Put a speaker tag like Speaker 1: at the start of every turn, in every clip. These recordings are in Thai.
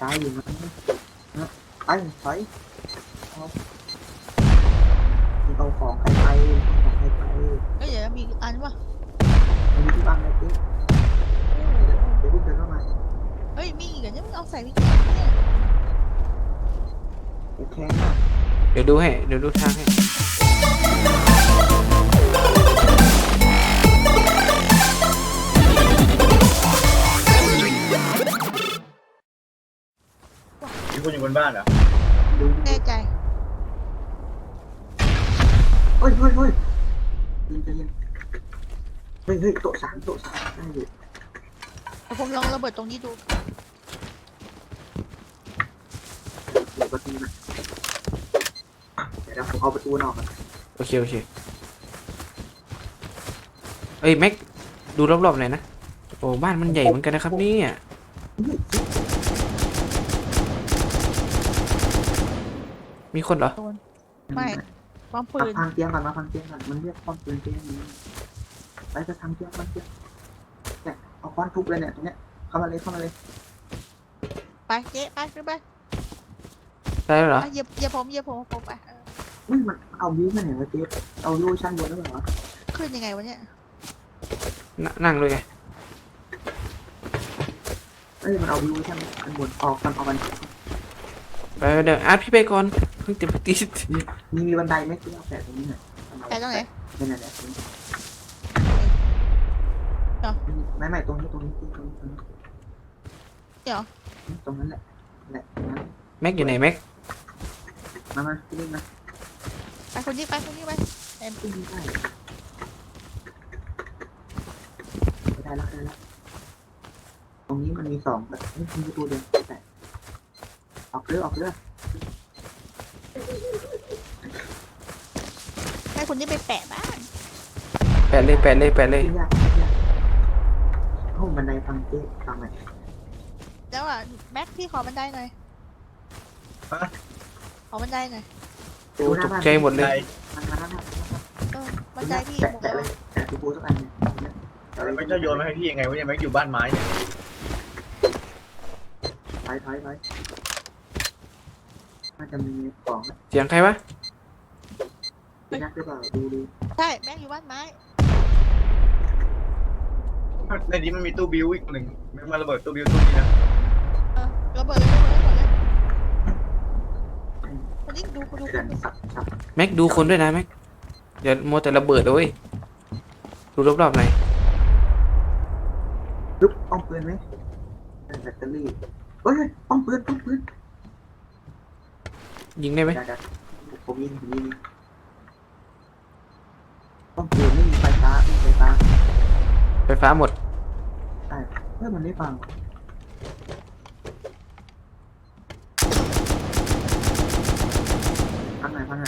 Speaker 1: ตายอยู่นะไปถอยเอาของใครไปของใครไป
Speaker 2: เฮ้ยเดี๋ยวมีอันวะ
Speaker 1: มันมีที่บ้านอะไรติ๊กเดี๋ยวพี่เดินเข้ามา
Speaker 2: เฮ้ยมีอีกเหรอเนี่ยมึงเอาใส่ไปกินเนี่ย
Speaker 1: โอเคนะ
Speaker 3: เดี๋ยวดูให้เดี๋ยวดูทางให้
Speaker 4: มีคนอยู่บนบ้านเหรอ
Speaker 2: แน่ใจ
Speaker 1: เฮ้ยยิงใจเย็นเฮ้ยโต๊ะสามได้อยู่
Speaker 2: ผมลองระเบิดตรงนี้ดู
Speaker 1: เดี๋ยวประตูนะเดี๋ยวผมเอาประตูนอกก่อน
Speaker 3: โอเคเอ้ยแม็กดูรอบๆหน่อยนะโอ้บ้านมันใหญ่เหมือนกันนะครับเนี่ยมีคนเหรอ
Speaker 2: ไม่ป้อมปืน
Speaker 1: พังเตียงก่อนมาพังเตียงก่อนมันเรียกป้อมปืนเตียงนี้ไปจะทำเตียงมันเตียงเนี่ยเอาค้อนทุบเลยเนี่ยตรงเนี้ยเข้ามาเลย
Speaker 2: ไปเจ๊ไปขึ้นไป
Speaker 3: ได้แล้วเหรอ
Speaker 2: เหยียบผมไป
Speaker 1: มันเอาบิวมาไหนวะเจ๊เอาโลชั่นบนแล้วเหรอ
Speaker 2: ขึ้นยังไงวะเนี่ย
Speaker 3: นั่งเลยไง
Speaker 1: มันเอาบิวชั่นอันบนออกกันเอามัน
Speaker 3: ไปเดี๋ยวอาร์ตพี่ไปก่อนเพิ่งจะไปตี
Speaker 1: มีบันไดไหมที่เอาแปะตรงนี้หน่อย
Speaker 2: แปะตรงไหน
Speaker 1: นั่นแหละไม่ตรงนี้
Speaker 2: เดี๋ยว
Speaker 1: ตรงนั้นแหละ
Speaker 3: แม็กอยู่ไหนแม็ก
Speaker 1: มาที่นี่มา
Speaker 2: ไปคนนี้ไป
Speaker 1: เอ็มที่นี่ได้แล้วตรงนี้มันมี2แบบนี่คือตัวเดียวแต่ออกเรือ
Speaker 2: ให้คนนี้ไปแปะบ้าน
Speaker 3: แปะเลย
Speaker 1: ห้องบันไดทางเจ๊ทางไหน
Speaker 2: แล้วอ่ะแม็กพี่ขอบันไดหน่อยขอบันไดหน่อย
Speaker 3: โอ้ตกใจหมดเลย
Speaker 2: บันไดพี่
Speaker 1: แตะเลยแตะตูปูสักอัน
Speaker 4: ไม่จะโยนมาให้พี่ยังไงวะเนี่ยแม็กอยู่บ้านไม้เนี่ย
Speaker 1: ถอยน่าจะมีของ
Speaker 3: เสียงใครวะ
Speaker 1: เป็นนักหรือเปล่าดู
Speaker 2: ใช่แม็กอยู่บ้านไม้
Speaker 4: ในนี้มันมีตู้บิวอีกหนึ่งแม็กมาระเบิดตู้บิวตู้นี้นะ
Speaker 2: ระเบิดเลยคนนี้ดู
Speaker 3: แม็กดูคนด้วยนะแม็กอย่ามัวแต่ระเบิดเลยดูรอบๆหน่อย
Speaker 1: ลุกป้องปืนไหมแบตเตอรี่เฮ้ยป้องปืน
Speaker 3: ยิงได้ไหม
Speaker 1: ผมยิงป้องปืนไม่มีไฟฟ้า
Speaker 3: หมด
Speaker 1: ใช่มันไม่ฟังพังไหน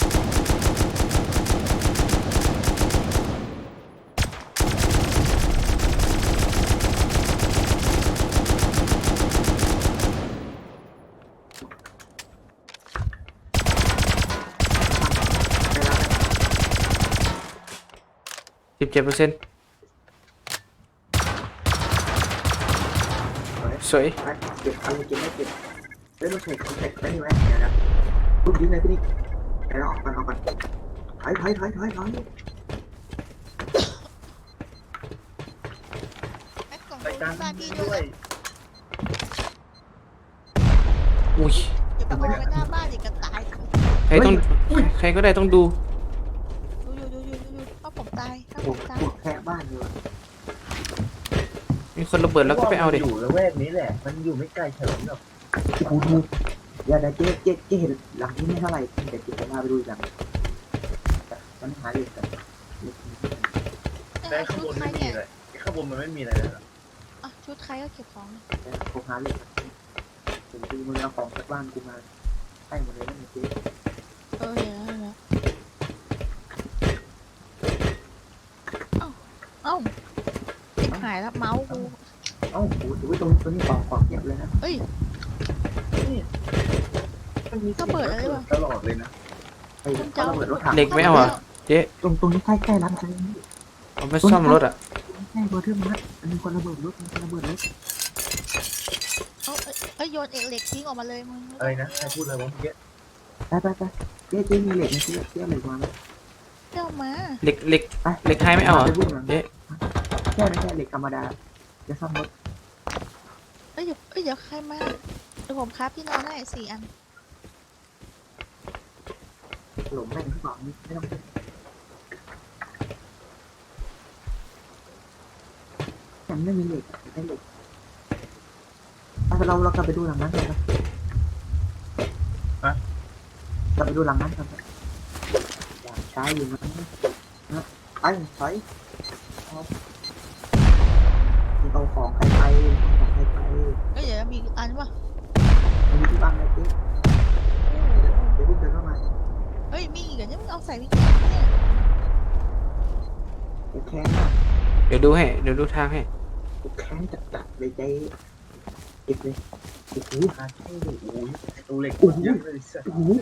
Speaker 3: 17%สวย
Speaker 1: เก็บไม่เก็บเราใส่คอนแทคได้ไหมเดี๋ยวนะรุ่นนี้เลยพี่นิกเดี๋ยวออกกันถอย
Speaker 2: ไปกล่องบ้านพี่ด้วย
Speaker 3: อุ้ย
Speaker 2: อย่าไปเอาไปหน้าบ้านอีกกระต่าย
Speaker 3: ใครก็ได้ต้องดู
Speaker 2: ถ้าผมตาย
Speaker 1: แค่บ้านอยู่
Speaker 3: มีคนระเบิดแล้วก็ไปเอาดิ
Speaker 4: อยู่ละแวกนี้แหละมันอยู่ไม่ไกลเฉลิมหรอก
Speaker 1: ดูอย่าได้เจ๊เห็นหลังนี้ไม่เท่าไหร่แต่เจ๊มาไปดูหลังมันหาอยู่กัน
Speaker 4: แต่ข้างบนไม่มีเลยข้างบนมันไม่มีอะไรเลย
Speaker 2: ชุดใครก็เก็บของ
Speaker 1: ผมหาเลยผมดูมือเอาของจากบ้านกูมาให้หมดเลยนะเจ๊
Speaker 2: เดี๋ยวหายแล้วเมาส์กู
Speaker 1: โอ้โหดูตรงนี้ของเก็บเลยนะ
Speaker 2: เฮ้ยก็เปิดอะไรวะ
Speaker 4: ตลอดเลยนะ
Speaker 3: เหล็กไม่เอาอ่ะเจ๊
Speaker 1: ตรงนี้ใกล้ร้านค้า
Speaker 3: เอาไปซ่อมรถอ่ะ
Speaker 1: ใช่เบอร์เทอร์มัดอันนี้คนระเบิดรถ
Speaker 2: เอ้ยโยนเหล็กทิ้งออกมาเลยมึง
Speaker 4: อะไรนะใครพูดอะไรวะเมื่อกี้
Speaker 1: ไปเจ๊มีเหล็กนะเจ๊เหล็กวาง
Speaker 2: เจ้ามา
Speaker 3: เหล็กเหล็ก
Speaker 1: ไป
Speaker 3: เหล็กไฮไม่เอาเหรอ
Speaker 1: ไปวิ่งหลัง
Speaker 3: เจ๊
Speaker 1: แค่นั้นแค่เหล็กธรรมดาจะซ่อมรถ
Speaker 2: เดี๋ยวใครมาเดี๋ยวผมครับที่นอนให้4 อัน
Speaker 1: หลงแม่งข้างหลังไม่ต้องยังไม่มีเหล็กได้เหล็กเรากลับไปดูหลังนั้นกันนะกลับไปดูหลังนั้นกันอยากใช้อยู่นะไปเอาของใครไปของใครไป
Speaker 2: เอ้ยเดี๋ยวมีอีกอันวะ
Speaker 1: มีที่บ้านอะไรเจ๊เดี๋ยววิ่งเดินเข้ามา
Speaker 2: เอ้ยมีอีกเหรอเนี่ยมึงเอาใส่วิกกี้เนี่ย
Speaker 1: กูแค้นมาก
Speaker 3: เดี๋ยวดูให้เดี๋ยวดูทางให้
Speaker 1: กูแค้นจัดเลยเจ๊เก็บเลยโอ้โห
Speaker 4: หาที่โอ้ยตัวเหล็กเยอะเลยสัส
Speaker 1: โอ้โห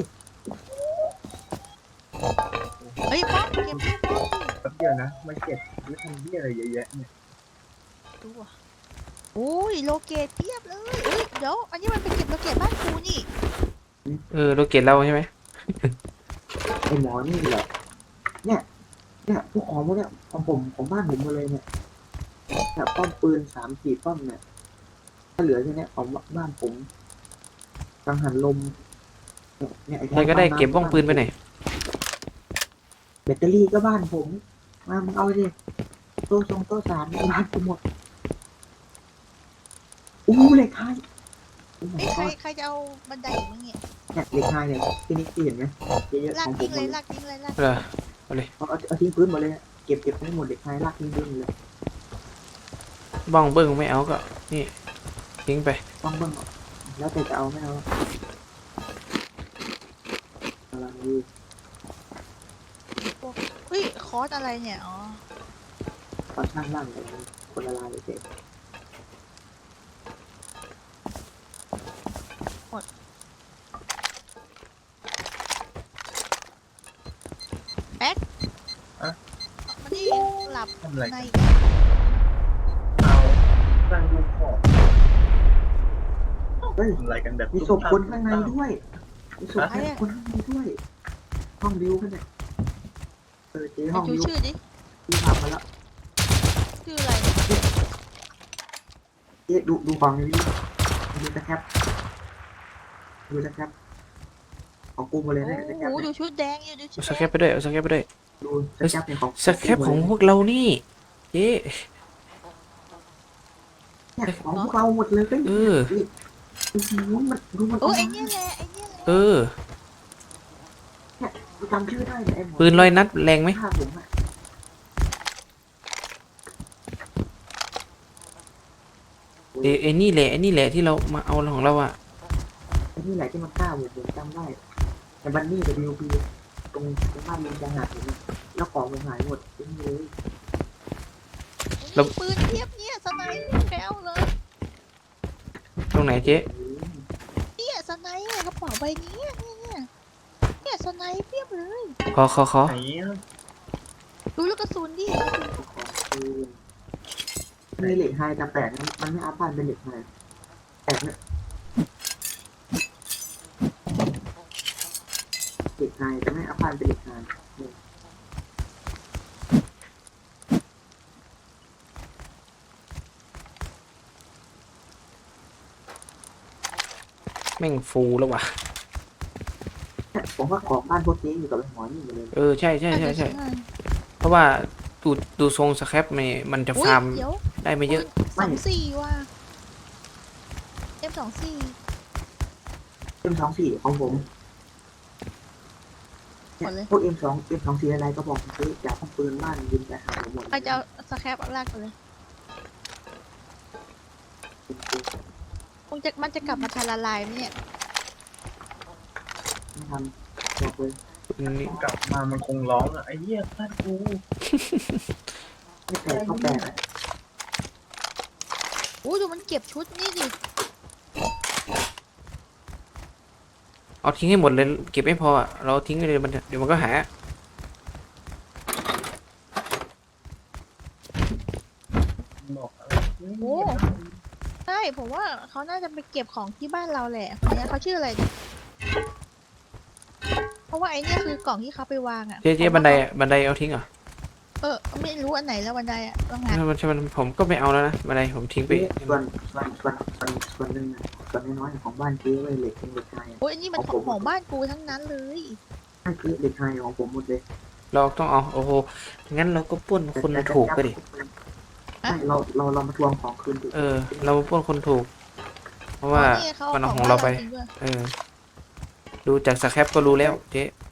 Speaker 2: เอ้ยป้อมเก็บป้อม
Speaker 4: แป๊บเดียวนะไม่เก็บไม่ทำเหี้ยอะไรเยอะแยะเนี่ย
Speaker 2: ดูอ่ะโอ้ยโลเกตเทียบเลยเอ้ยเดี๋ยวอันนี้มันเป็นเก็บโลเกตบ้านกูนี่
Speaker 3: โลเกตเราใช่ไหม
Speaker 1: ไอหมอนี่แหละเนี่ยพวกของพวกเนี้ยของบ้านผมหมดเลยเนี่ยป้อมปืน3-4 ป้อมเนี่ยถ้าเหลือแค่นี้ของบ้านผมกังหันลมเนี่ย
Speaker 3: ใครก็ได้เก็บบ้องปืนไปไหนอย
Speaker 1: แบตเตอรี่ก็บ้านผมมามึงเอาดิโต๊ะสามบ้านกูหมดอู้เหล็กไฮโอ้
Speaker 2: เอ้ย
Speaker 1: my
Speaker 2: ใคร
Speaker 1: god
Speaker 2: ใครจะเอาบันไดอีกมั้งเนี่ย
Speaker 1: เนี่ยเหล็กไฮเนี่ยที่นี่เห็นไหมเยอะๆ
Speaker 2: ลา
Speaker 1: ข
Speaker 2: ก
Speaker 1: องผ
Speaker 2: ทิ้
Speaker 1: ม
Speaker 2: ง
Speaker 1: หม
Speaker 2: เล
Speaker 1: ด
Speaker 2: ยลากทิ้งเลยลาก
Speaker 3: เหรอ
Speaker 1: เอาทิ้งพื้นหมดเลยเก็บทั้งหมดเหล็กไฮลากทิ้งพื้นเลย
Speaker 3: บ้องเบิ้งไม่เอาก็นี่ทิ้งไป
Speaker 1: บ้างแล้วแต่จะเอาไม่เอาอะไร
Speaker 2: เฮ้ยคอร์สอะไรเนี่ยอ๋อ
Speaker 1: ตอนช่างล่างเลยคนละลายเลยเจ๊
Speaker 2: มันนี่หลับ
Speaker 4: ทำอะไร
Speaker 2: ใน
Speaker 4: เอาตั้งดูของ
Speaker 1: เฮ้ย
Speaker 4: ทำอะไรกันแบบ
Speaker 1: มีศพคนข้างในด้วยมีศพคนข้างในด้วยห้องดิวกันเนี่ยเจ๊ห้อง
Speaker 2: ดู
Speaker 1: ดิว
Speaker 2: ชื่อดิ
Speaker 1: ที่ทำมาแล้ว
Speaker 2: ชื่ออะไร
Speaker 1: เจ๊ดูของนี้ดูสแคปของกูหมดเลย
Speaker 2: โอ้
Speaker 1: นะสแคป
Speaker 2: โหดูชุดแดงอยู่ดูชุ
Speaker 3: เอา
Speaker 2: ด
Speaker 3: ส
Speaker 2: แด
Speaker 3: แคป
Speaker 2: ง
Speaker 3: ไปด้วยเอาสแคปไปด้วย
Speaker 1: ดูสแคปเนี่ยของ
Speaker 3: สแคปของพวกเรานี่เจ๊
Speaker 1: เนี่ยของพวกเราหมดเลย
Speaker 3: เออ
Speaker 1: มันดูมัน
Speaker 2: โอ้ไอเนี่ยแหละไอเนี่ยแหละ
Speaker 3: เออ
Speaker 1: จำชื่อได้เนี่ยไอ้หมอ
Speaker 3: ปืนลอยนัดแรงไหม
Speaker 1: ฆ่าผมอ่ะ
Speaker 3: ไอ้นี่แหละไอ้นี่แหละที่เรามาเอาของเราอะ
Speaker 1: ไอ้นี่แหละที่มันฆ่าผมจำได้แต่บันนี่กับดิวพีตรงบ้านลิงจังหวัดเนี่ยแล้วของผมหายหมดทิ้งเลย
Speaker 2: ปืนเทียบเนี่ยสไนป์แปลวเลย
Speaker 3: ตรงไหนเจ๊
Speaker 2: เนี่ยสไนป์กระเป๋าใบนี้เนี่ยสไนป์เทียบเลย
Speaker 3: ขอ
Speaker 4: ไหนอะ
Speaker 2: ดูลูกกระสุนดิ
Speaker 1: มีเหล็กไฮแต่แปลกนะมันไม่อัพบ้านเป็นเหล็กไฮแปลกเนี่ยเหล็กไฮแต่ไม่อัพบ้านเป็นเหล็กไฮ
Speaker 3: แม่งฟูแล้วว่ะ
Speaker 1: ผมว่าของบ้านพวกเจ๊อยู่กับไอ้หมอนี่หมดเลย
Speaker 3: เออใช่เพราะว่าดูทรงสแคปมันจะ
Speaker 2: อุ๊ย
Speaker 3: ฟาร์ม
Speaker 2: เดี๋ยว
Speaker 3: ได้ไม่เยอะ
Speaker 2: 24ว่ะ M24
Speaker 1: M24ของผมเนี่ยพวก M24 อะไรก็บอกซื้อจากห้องปืนบ้านยิงแต่หาหมด
Speaker 2: ใครจะเอาสแครปเอาลากไปเลยมันจะกลับมาทาละลายไหมเนี่ย
Speaker 1: ไม่ทำบอกเลย
Speaker 3: นี่
Speaker 4: กลับมามันคงร้องอ่ะไอ้เหี้ยบ้านกู
Speaker 1: ไม่แปลกก็แปลก
Speaker 2: โอ้ดูมันเก็บชุดนี่ดิ
Speaker 3: เอาทิ้งให้หมดเลยเก็บไม่พออะเราทิ้งไปเลยเดี๋ยวมันก็หา
Speaker 4: บอกอะไร
Speaker 2: โอ้ใช่ผมว่าเขาน่าจะไปเก็บของที่บ้านเราแหละคนเนี้ยเขาชื่ออะไรเนี่ยเพราะว่าไอ้เนี่ยคือกล่องที่เขาไปวางอ่ะ
Speaker 3: เจ๊บันไดอะบันไดเอาทิ้งเหรอ
Speaker 2: ไม่รู้อันไหนแล้วบันไดอ่ะต้องหา
Speaker 3: มันผมก็ไม่เอาแล้วนะบันไดผมทิ้งไป
Speaker 1: ส่วนหนึ่งส่วนน้อยๆของบ้านเจ๊ไว้เหล็กเป็นเหล็กไฮ
Speaker 2: โอ้ยอันนี้มันของบ้านกูทั้งนั้นเลย
Speaker 1: นั่นคือเหล็กไฮของผมหมดเลย
Speaker 3: เราต้องเอาโอ้โหงั้นเราก็ปล้นคนถูกไปดิ
Speaker 1: ใช่เรามาทวงของคืนดิ
Speaker 3: เรามาปล้นคนถูก เพราะว่า
Speaker 2: นี่เขา
Speaker 3: มันเอา
Speaker 2: เอา
Speaker 3: ของเราไป
Speaker 2: จริงด้วย
Speaker 3: ดูจากสแครปก็รู้แล้วเจ๊